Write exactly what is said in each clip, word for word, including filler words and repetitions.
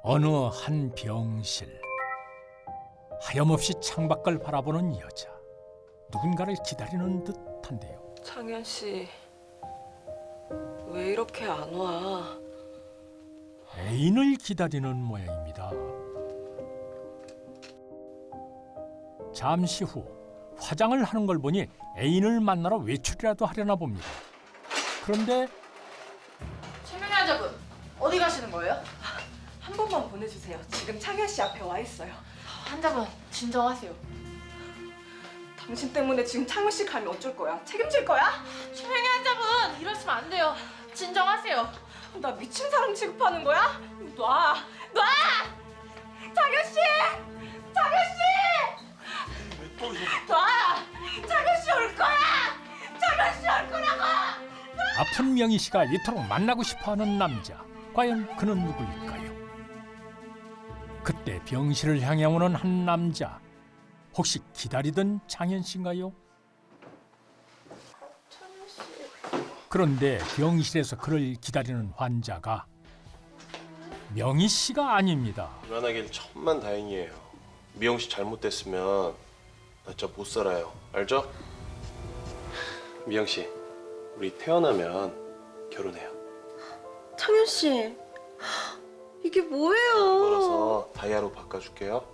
어느 한 병실. 하염없이 창밖을 바라보는 여자. 누군가를 기다리는 듯한데요. 창현 씨, 왜 이렇게 안 와? 애인을 기다리는 모양입니다. 잠시 후 화장을 하는 걸 보니 애인을 만나러 외출이라도 하려나 봅니다. 그런데 최명희 환자분 어디 가시는 거예요? 한 번만 보내주세요. 지금 창현 씨 앞에 와 있어요. 환자분 진정하세요. 당신 때문에 지금 창현 씨 가면 어쩔 거야? 책임질 거야? 최명희 환자분 이러시면 안 돼요. 진정하세요. 나 미친 사람 취급하는 거야? 놔! 놔! 창현 씨! 창현 씨! 놔! 창현 씨 올 거야! 창현 씨 올 거라고! 아픈 명희 씨가 이토록 만나고 싶어하는 남자. 과연 그는 누구일까요? 그때 병실을 향해 오는 한 남자. 혹시 기다리던 창현 씨인가요? 그런데 병실에서 그를 기다리는 환자가 명희 씨가 아닙니다. 불안하길 천만 다행이에요. 미영 씨 잘못됐으면 나 진짜 못 살아요. 알죠? 미영 씨, 우리 태어나면 결혼해요. 창현 씨, 이게 뭐예요? 걸어서 다이아로 바꿔줄게요.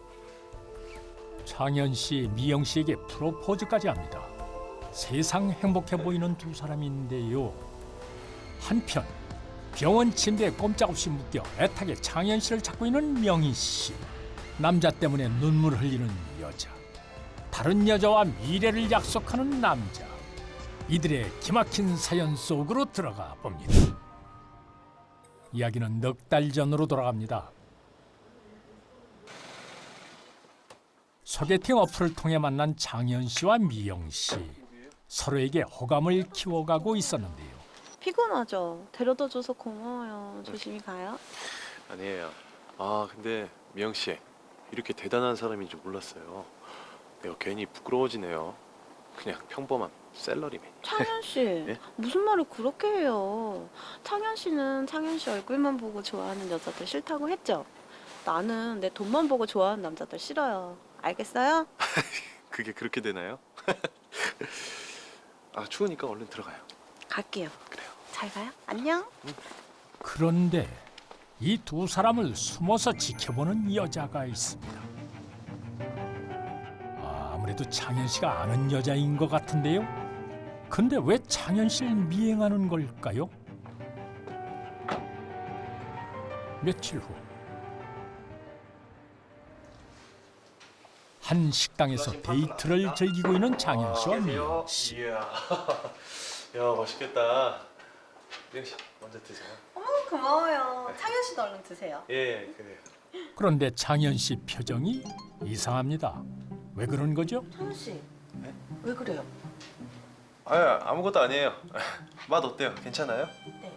창현 씨, 미영 씨에게 프로포즈까지 합니다. 세상 행복해 보이는 두 사람인데요. 한편 병원 침대에 꼼짝없이 묶여 애타게 창현 씨를 찾고 있는 명희 씨. 남자 때문에 눈물 흘리는 여자. 다른 여자와 미래를 약속하는 남자. 이들의 기막힌 사연 속으로 들어가 봅니다. 이야기는 넉 달 전으로 돌아갑니다. 소개팅 어플을 통해 만난 창현 씨와 미영 씨. 서로에게 호감을 키워가고 있었는데요. 피곤하죠? 데려다줘서 고마워요. 조심히 가요. 아니에요. 아 근데 미영 씨 이렇게 대단한 사람인 줄 몰랐어요. 내가 괜히 부끄러워지네요. 그냥 평범한 셀러리맨. 창현 씨, 네? 무슨 말을 그렇게 해요? 창현 씨는 창현 씨 얼굴만 보고 좋아하는 여자들 싫다고 했죠? 나는 내 돈만 보고 좋아하는 남자들 싫어요. 알겠어요? 그게 그렇게 되나요? 아 추우니까 얼른 들어가요. 갈게요. 그래요. 잘 가요. 안녕. 그런데 이 두 사람을 숨어서 지켜보는 여자가 있습니다. 아, 아무래도 창현 씨가 아는 여자인 것 같은데요. 근데 왜 창현 씨를 미행하는 걸까요? 며칠 후 한 식당에서 데이트를 즐기고 있는 창현 씨와 미영 씨. 이야, 야 맛있겠다. 미영 씨 먼저 드세요. 어머 고마워요. 창현 씨도 얼른 드세요. 예, 그래요. 그런데 창현 씨 표정이 이상합니다. 왜 그런 거죠? 창현 씨, 왜 그래요? 아 아무것도 아니에요. 맛 어때요? 괜찮아요? 네.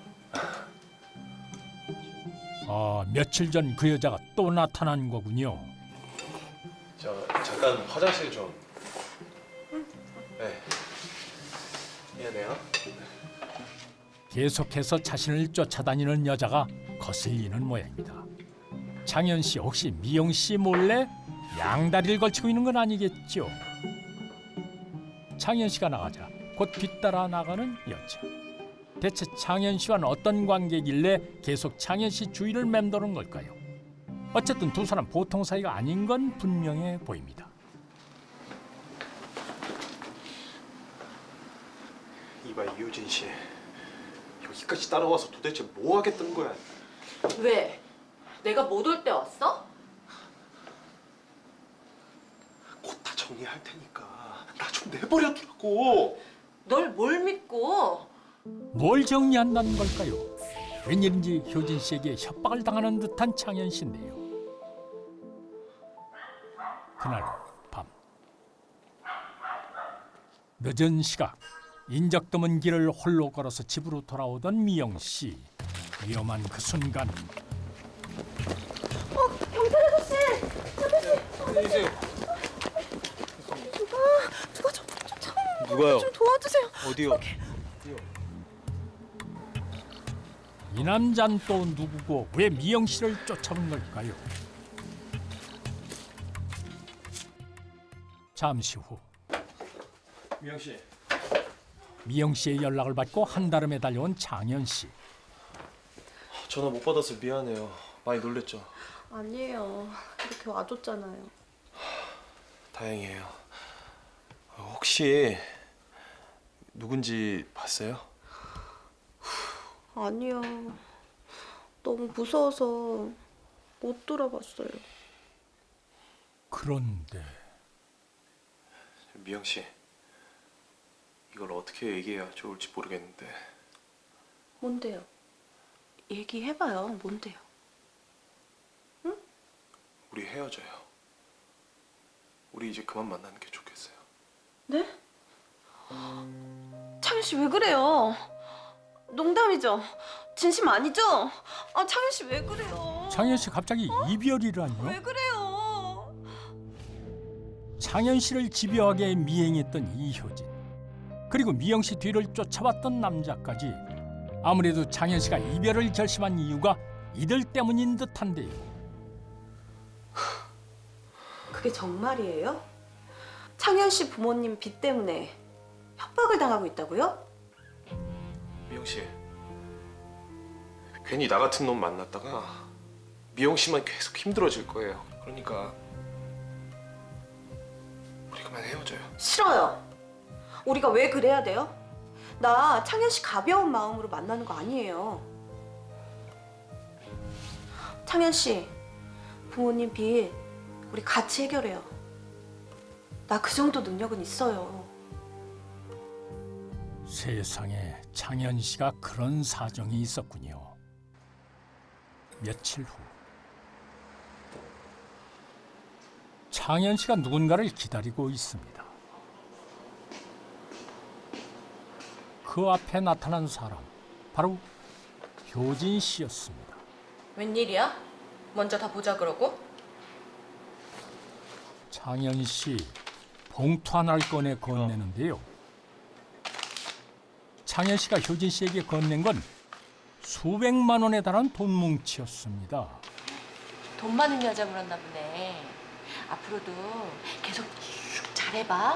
아, 며칠 전 그 여자가 또 나타난 거군요. 저 잠깐 화장실 좀. 네. 미안해요. 계속해서 자신을 쫓아다니는 여자가 거슬리는 모양입니다. 창현 씨 혹시 미영 씨 몰래 양다리를 걸치고 있는 건 아니겠죠? 창현 씨가 나가자 곧 뒤따라 나가는 여자. 대체 창현 씨와는 어떤 관계길래 계속 창현 씨 주위를 맴도는 걸까요? 어쨌든 두 사람 보통 사이가 아닌 건 분명해 보입니다. 이봐 이효진 씨, 여기까지 따라와서 도대체 뭐 하겠다는 거야? 왜? 내가 못 올 때 왔어? 곧 다 정리할 테니까 나 좀 내버려 두라고. 널 뭘 믿고? 뭘 정리한다는 걸까요? 웬일인지 효진 씨에게 협박을 당하는 듯한 창현 씨인데요. 그날 밤 늦은 시각 인적 드문 길을 홀로 걸어서 집으로 돌아오던 미영 씨. 위험한 그 순간 누가 좀, 좀, 좀, 누가요? 좀 도와주세요. 어디요? 이 남자는 또 누구고 왜 미영 씨를 쫓아온 걸까요? 잠시 후 미영 씨. 미영 씨의 연락을 받고 한달음에 달려온 장현 씨. 전화 못 받아서 미안해요. 많이 놀랬죠? 아니에요. 이렇게 와줬잖아요. 다행이에요. 혹시 누군지 봤어요? 아니요. 너무 무서워서 못 돌아봤어요. 그런데 미영 씨, 이걸 어떻게 얘기해야 좋을지 모르겠는데. 뭔데요? 얘기해봐요. 뭔데요? 우리 헤어져요. 우리 이제 그만 만나는 게 좋겠어요. 네? 창현 씨 왜 그래요? 농담이죠? 진심 아니죠? 아 창현 씨 왜 그래요? 장현 씨 갑자기 이별이라뇨? 왜 그래요? 장현 씨를 집요하게 미행했던 이효진, 그리고 미영 씨 뒤를 쫓아왔던 남자까지. 아무래도 장현 씨가 이별을 결심한 이유가 이들 때문인 듯한데요. 그게 정말이에요? 창현 씨 부모님 빚 때문에 협박을 당하고 있다고요? 미영 씨, 괜히 나 같은 놈 만났다가 미영 씨만 계속 힘들어질 거예요. 그러니까 우리 그만 헤어져요. 싫어요. 우리가 왜 그래야 돼요? 나 창현 씨 가벼운 마음으로 만나는 거 아니에요. 창현 씨, 부모님 빚 우리 같이 해결해요. 나 그 정도 능력은 있어요. 세상에 장현 씨가 그런 사정이 있었군요. 며칠 후 장현 씨가 누군가를 기다리고 있습니다. 그 앞에 나타난 사람, 바로 효진 씨였습니다. 웬일이야? 먼저 다 보자 그러고? 장현 씨 봉투 하나를 꺼내 건네는데요. 장현 씨가 효진 씨에게 건넨 건 수백만 원에 달하는 돈 뭉치였습니다. 돈 많은 여자 물었나 보네. 앞으로도 계속 쭉 잘해봐.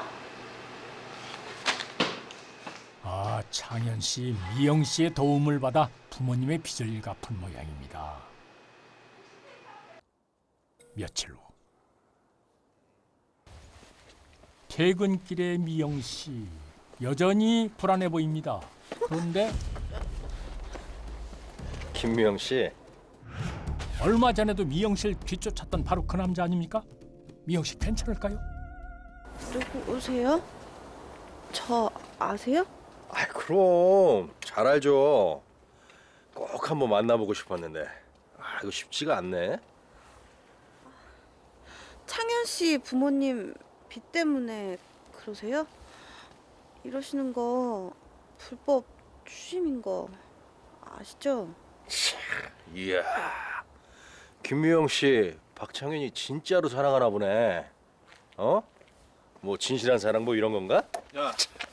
아, 장현 씨, 미영 씨의 도움을 받아 부모님의 빚을 갚은 모양입니다. 며칠 후 퇴근길의 미영 씨, 여전히 불안해 보입니다. 그런데 김미영 씨, 얼마 전에도 미영 씨를 뒤쫓았던 바로 그 남자 아닙니까? 미영 씨 괜찮을까요? 누구세요? 저 아세요? 아 그럼 잘 알죠. 꼭 한번 만나보고 싶었는데 아 이거 쉽지가 않네. 창현 씨 부모님 빚 때문에 그러세요? 이러시는 거 불법 추심인 거 아시죠? 이야, 김미영 씨, 박창현이 진짜로 사랑하나 보네. 어? 뭐 진실한 사랑 뭐 이런 건가? 야,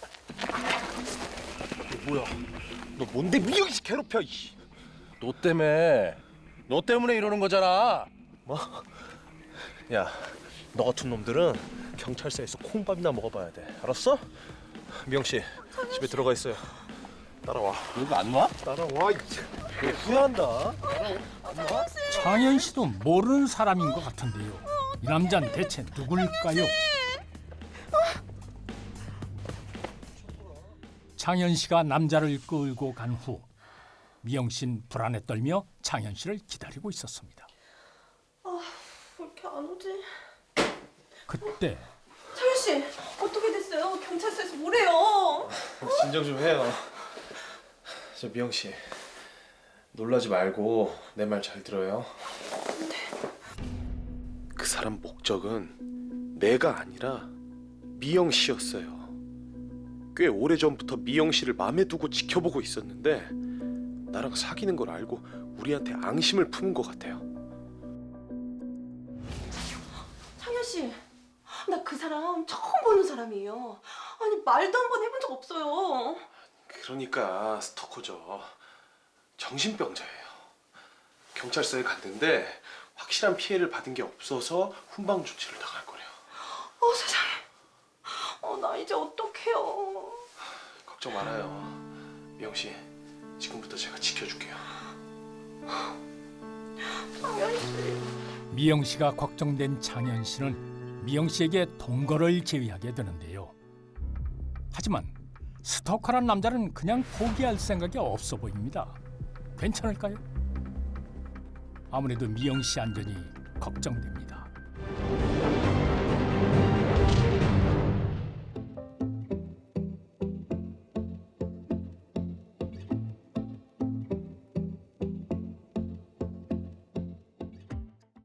뭐야? 너 뭔데 미영 씨 괴롭혀? 이씨. 너 때문에, 너 때문에 이러는 거잖아. 뭐? 야, 너 같은 놈들은 경찰서에서 콩밥이나 먹어봐야 돼. 알았어? 미영 씨, 집에 들어가 있어요. 따라와. 누가 안 와? 따라와. 너 후회한다. 장현 씨도 모르는 사람인 것 같은데요. 이 남자는 대체 누굴까요? 장현 씨가 남자를 끌고 간 후 미영 씨는 불안에 떨며 장현 씨를 기다리고 있었습니다. 왜 이렇게 안 오지? 그때 창현 씨 어떻게 됐어요? 경찰서에서 뭐래요? 진정 좀 해요. 저 미영 씨, 놀라지 말고 내 말 잘 들어요. 그 사람 목적은 내가 아니라 미영 씨였어요. 꽤 오래 전부터 미영 씨를 마음에 두고 지켜보고 있었는데 나랑 사귀는 걸 알고 우리한테 앙심을 품은 것 같아요. 창현 씨, 나 그 사람 처음 보는 사람이에요. 아니 말도 한 번 해본 적 없어요. 그러니까 스토커죠. 정신병자예요. 경찰서에 갔는데 확실한 피해를 받은 게 없어서 훈방 조치를 당할 거래요. 어 세상에. 어 나 이제 어떡해요. 걱정 말아요. 미영 씨, 지금부터 제가 지켜줄게요. 창현 씨. 미영 씨가 걱정된 장현 씨는 미영 씨에게 동거를 제의하게 되는데요. 하지만 스토커란 남자는 그냥 포기할 생각이 없어 보입니다. 괜찮을까요? 아무래도 미영 씨 안전이 걱정됩니다.